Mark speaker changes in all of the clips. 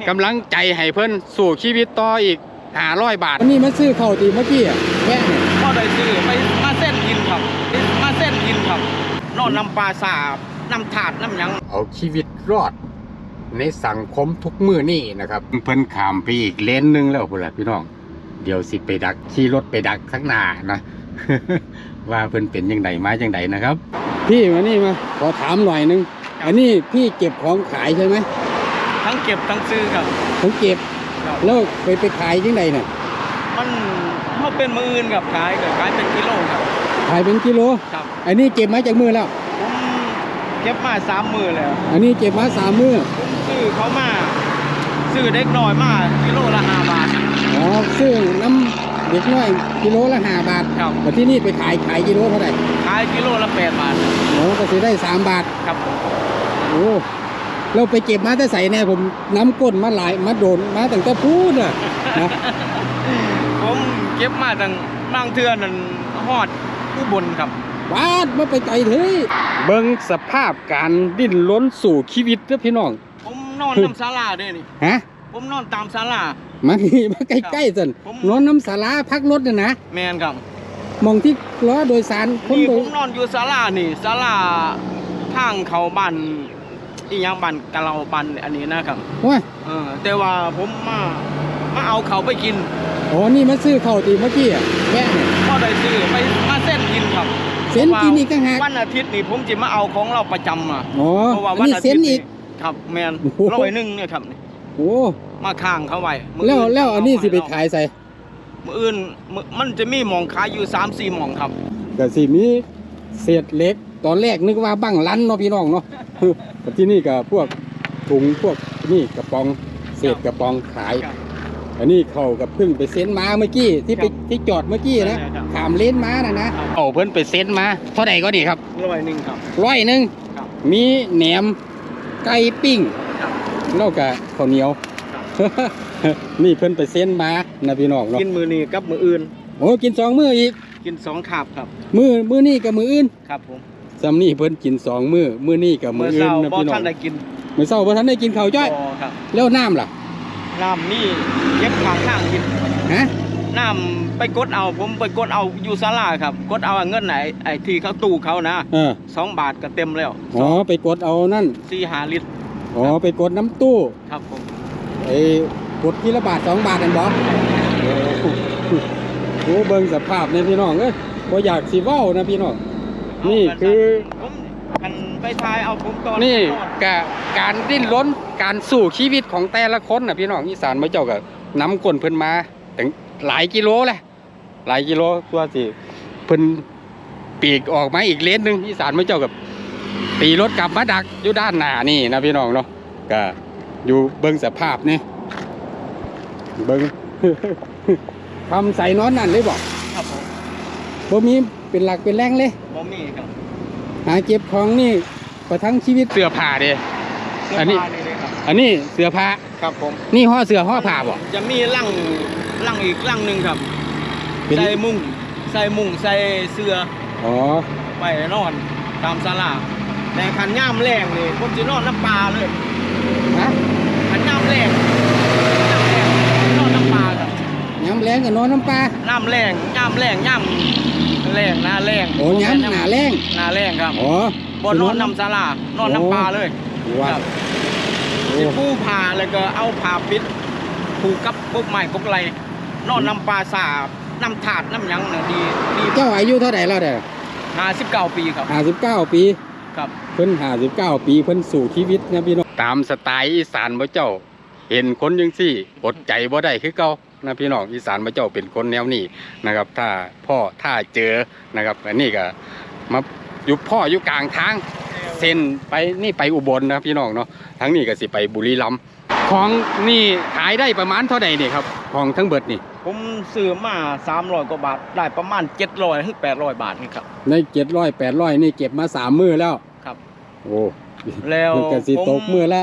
Speaker 1: กำลังใจให้เพิ่นสู่ชีวิตต่ออีก500 บาทวันนี้มาซื้อข้าวตีเมื่อกี้แม่เนี่ย
Speaker 2: ก็ได้ซื้อไปมาเส้นกินครับมาเส้นกินครับนอนน้ำปลาสาบน้ำถาดน้ำยัง
Speaker 1: เอาชีวิตรอดในสังคมทุกมื้อนี่นะครับเพิ่นข้ามไปอีกเลนนึงแล้วพุ่นล่ะพี่น้องเดี๋ยวสิไปดักขี่รถไปดักข้างหน้านะ ว่าเพิ่นเป็นยังไงมาจังไดนะครับพี่มานี่มาขอถามหน่อยนึงอันนี้พี่เก็บของขายใช่ไหม
Speaker 2: ทั้งเก็บทั้งซื้อครับ
Speaker 1: ทั้งเก็บแล้วไปขายจังไดเนี่ย
Speaker 2: มันเขาเป็นมืออื่นกับขายเป็นกิโลครับ
Speaker 1: ขายเป็นกิโล
Speaker 2: ครับ
Speaker 1: อันนี้เก็บมาจากมือแล้ว
Speaker 2: ผมเก็บมา3 มื้อแล้ว
Speaker 1: อันนี้เก็บมา3 มื้อ
Speaker 2: ผมซื้อเขามาซื้อเด็กน้อยมากิโลละ5 บาท
Speaker 1: อ๋อซื้อน้ำเด็กน้อยกิโลละ5 บาท
Speaker 2: ครับ
Speaker 1: แต่ที่นี่ไปขายกิโลเท่าไหร่
Speaker 2: ขายกิโลละ8 บาท
Speaker 1: โอ้ก็ซื้อได้3 บาท
Speaker 2: ครับ
Speaker 1: โอ้เราไปเก็บมาแต่ใส่แน่ผมน้ำก้นมาหลายมาโดนมาตั้งแต่พูดนะ
Speaker 2: ผมเก็บมาตั้งบางเทื่อนั่นฮอดอุบลครับ
Speaker 1: วาดมาไปไกลเถอะเบิ่งสภาพการดิ้นรนสู่ชีวิตเด้อพี่น้อง
Speaker 2: ผมนอนน้ำศาลาด้วยนี่
Speaker 1: ฮะ
Speaker 2: ผมนอนตามศาลา
Speaker 1: มาใกล้ๆสินอนน้ำศาลาพักรถน่ะนะ
Speaker 2: แมนครับ
Speaker 1: มองที่ล้อโดยสาร
Speaker 2: นี่ผมนอนอยู่ศาลานี่ศาลาทางเขาบ้านอีหยังบ้านกะเราบ้านอันนี้นะครับ
Speaker 1: ว่า
Speaker 2: แต่ว่าผมมาเอาเขาไปกิน
Speaker 1: อ๋อนี่มาซื้อข้าวตีเมื่อกี้แม่เนี่ย
Speaker 2: ก็ได้ซื้อไปมาเส้นกินครับ
Speaker 1: เส้นกินอีกต่างหาก
Speaker 2: วันอาทิตย์นี่ผมจะมาเอาของเราประจำอ่ะ
Speaker 1: เพราะว่าวันอาทิตย์อีก
Speaker 2: ครับแมน100เนี่ยครับ
Speaker 1: โอ้
Speaker 2: มาข้างเขาไว้
Speaker 1: แล้วอันนี้สิไปขายใส่
Speaker 2: มื้ออื่นมันจะมีหม่องขายอยู่3-4หม่องครับ
Speaker 1: ก็สิมีเศษเล็กตอนแรกนึกว่าบั้งลั่นเนาะพี่น้องเนาะแต่ที่นี่ก็พวกถุงพวกนี่กระป๋องเศษกระป๋องขายอันนี้เขากับเพิ่งไปเซ็นมาเมื่อกี้ที่จอดเมื่อกี้นะขามเลนมานะเอาเพิ่นไปเซ็นมาเท่าไหร่ก็ดีครับ
Speaker 2: 100ครับ
Speaker 1: 100มีแหนมไก่ปิ้งแล้วก็ข้าวเหนียวนี่เพิ่นไปเซ็นมานะพี่น้องเนาะ
Speaker 2: กินมื้อนี้กับมื้ออื่น
Speaker 1: โอ้กิน2 มื้ออีก
Speaker 2: กิน2 คาบครับ
Speaker 1: มื้อนี้กับมื้ออื่น
Speaker 2: ครับผม
Speaker 1: ซ้ำนี่เพิ่นกิน2 มื้อนี้กับมื้ออื่นนะพี่น้อง
Speaker 2: บ่ทันได้กิน
Speaker 1: มื้อเช้าบ่ทันได้กินข้าวจ้อยแล้วน้ำล่ะ
Speaker 2: น้ำนี่เก็บข้างกิน
Speaker 1: ฮะ
Speaker 2: น้ำไปกดเอาผมไปกดเอาอยู่ศาลาครับกดเอาเงินไหนไอ้ที่เขาตู้เขานะ2 บาทก็เต็มแล้ว
Speaker 1: อ๋อไปกดเอานั่น
Speaker 2: 4-5 ลิตร
Speaker 1: อ๋อไปกดน้ำตู้
Speaker 2: ครับผม
Speaker 1: ไอ้กดทีละบาท2 บาทนั่นบ่โอ้เบิ่งสภาพเนี่ยพี่น้องเอ้ยบ่อยากสิเว้านะพี่น้องนี่คือ
Speaker 2: ผมคันไปทายเอาผมตอน
Speaker 1: นี่การดิ้นรนการสู้ชีวิตของแต่ละคนน่ะพี่น้องอีสานมาเจ้าก็นำก้นเพิ่นมาถึงหลายกิโลแหละหลายกิโลตัวสิเพิ่นปีกออกมาอีกเลนนึงอีสานมาเจ้ากับตีรถกลับมาดักอยู่ด้านหน้านี่นะพี่น้องเนาะก็อยู่เบิ่งสภาพนี่เบิ่ง ทำใส่นอนนั่นเลยบอก
Speaker 2: ครับผม
Speaker 1: บ่มีเป็นหลักเป็นแรงเลย
Speaker 2: บ่มีครับ
Speaker 1: หาเก็บของนี่ประทังชีวิตเสื้อผ้าเด้อันนี้เสื้อผ้า
Speaker 2: ครับผม
Speaker 1: นี่ห่อเสื้อห่อผ้าบ่
Speaker 2: จะมีลังอีกลังนึงครับใส่มุ้งใส่เสื้อ
Speaker 1: อ๋อ
Speaker 2: ไปนอนตามศาลาแต่ขันย่ามแรงนี่ผมจะนอนน้ำปลาเลย
Speaker 1: ฮะ
Speaker 2: ขันย่ามแรงนอนน้ำปลาครับ
Speaker 1: ย่ามแรงกับนอนน้ำปลา
Speaker 2: ย่ามแรงหน้าแรง
Speaker 1: โอ้ย่ามหน้าแ
Speaker 2: รงครับ
Speaker 1: อ๋
Speaker 2: อบนนอนน้ำศาลานอนน้ำปลาเลยครับที่ผู้ผ่าแล้วก็เอาผ่าปิดผูกกับพวกไม้พวกไรนอนน้ำปลาสาบน้ำถาดน้ำยังน่ะดี
Speaker 1: เจ้าอายุเท่าไหร่แล้วเด้
Speaker 2: อ59 ปีครับ
Speaker 1: 59 ปี
Speaker 2: ครับ
Speaker 1: เพิ่น59 ปีเพิ่นสู่ชีวิตนะพี่น้องตามสไตล์อีสานบ่เจ้าเห็นคนจังซี่อดใจบ่ได้คือเก่านะพี่น้องอีสานบ่เจ้าเป็นคนแนวนี้นะครับถ้าเจอนะครับอันนี้ก็มาอยู่กลางทางเส้นไปนี่ไปอุบลนะพี่น้องเนาะทั้งนี้ก็สิไปบุรีรัมย์ของนี่ขายได้ประมาณเท่าใดนี่ครับของทั้งเบิดนี่
Speaker 2: ผมซื้อมา300 กว่าบาทได้ประมาณ700 ถึง 800 บาทนี่ครับ
Speaker 1: ใน700 800นี่เก็บมา3 มื้อแล้ว
Speaker 2: ครับ
Speaker 1: โอ้
Speaker 2: แล้ว
Speaker 1: ก็สิตกมื้อละ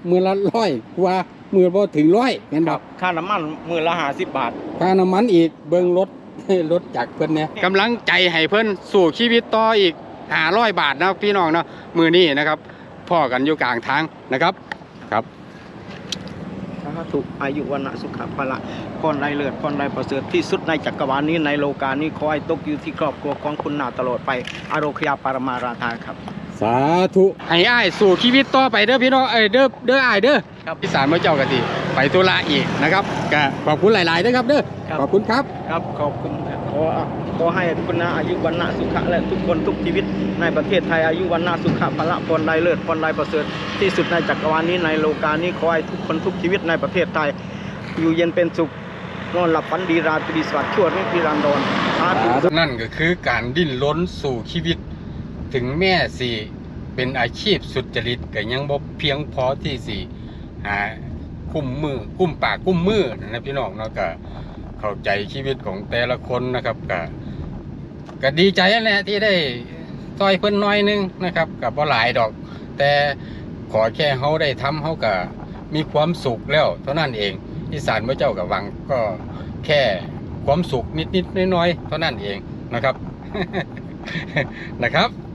Speaker 1: 100กว่ามื้อบ่ถึง100แม่นบ่
Speaker 2: ค่าน้ำมันมื้อละ50 บาท
Speaker 1: ค่าน้ำมันอีกเบิ่งรถจากเพิ่นเนี่ยกำลังใจให้เพิ่นสู่ชีวิตต่ออีก500 บาทนะพี่น้องเนาะมื้อนี้นะครับพ่อกันอยู่กลางทางนะครับครับ
Speaker 2: ธุอายุวันนะสุขภาละพรไรเลิศพรไรประเสริฐที่สุดในจักรวาลนี้ในโลกานี้ขอให้ตกอยู่ที่ครอบครัวของคุณนาตลอดไปอโรคยาปรมาราธาครับ
Speaker 1: สาธุให้อ้ายสู่ชีวิตต่อไปเด้อพี่น้องเด้ออ้ายเด้อ
Speaker 2: ครับ
Speaker 1: อีสานมาเจ้ากะสิไปธุระอีกนะครับก็ขอบคุณหลายๆเด้อครับเด้อ
Speaker 2: ครับ
Speaker 1: ขอบคุณครับ
Speaker 2: ครับขอบคุณครับขอให้คุณนาอายุวันนะสุขะและทุกคนทุกชีวิตในประเทศไทยอายุวันนะสุขะพละพรไรเลิศพรไรประเสริฐที่สุดในจักรวาลนี้ในโลกานี้ขอให้ทุกคนทุกชีวิตในประเทศไทยอยู่เย็นเป็นสุขนอนหลับฝันดีราตรีสวัสดิ์ชั่วนิรันดรสาธุ
Speaker 1: นั่นก็คือการดิ้นรนสู่ชีวิตถึงแม่สี่เป็นอาชีพสุจริตก็ยังบ่เพียงพอที่สี่หากุ้มปากกุ้มมือนะพี่น้องเนาะก็เข้าใจชีวิตของแต่ละคนนะครับก็ดีใจนั่นแหละที่ได้ซอยเพิ่นน้อยนึงนะครับกับบ่หลายดอก แต่ขอแค่เขาได้ทำเขาก็มีความสุขแล้วเท่านั้นเองอีสานพระเจ้ากับวังก็แค่ความสุขนิดๆน้อยๆเท่านั้นเองนะครับ นะครับ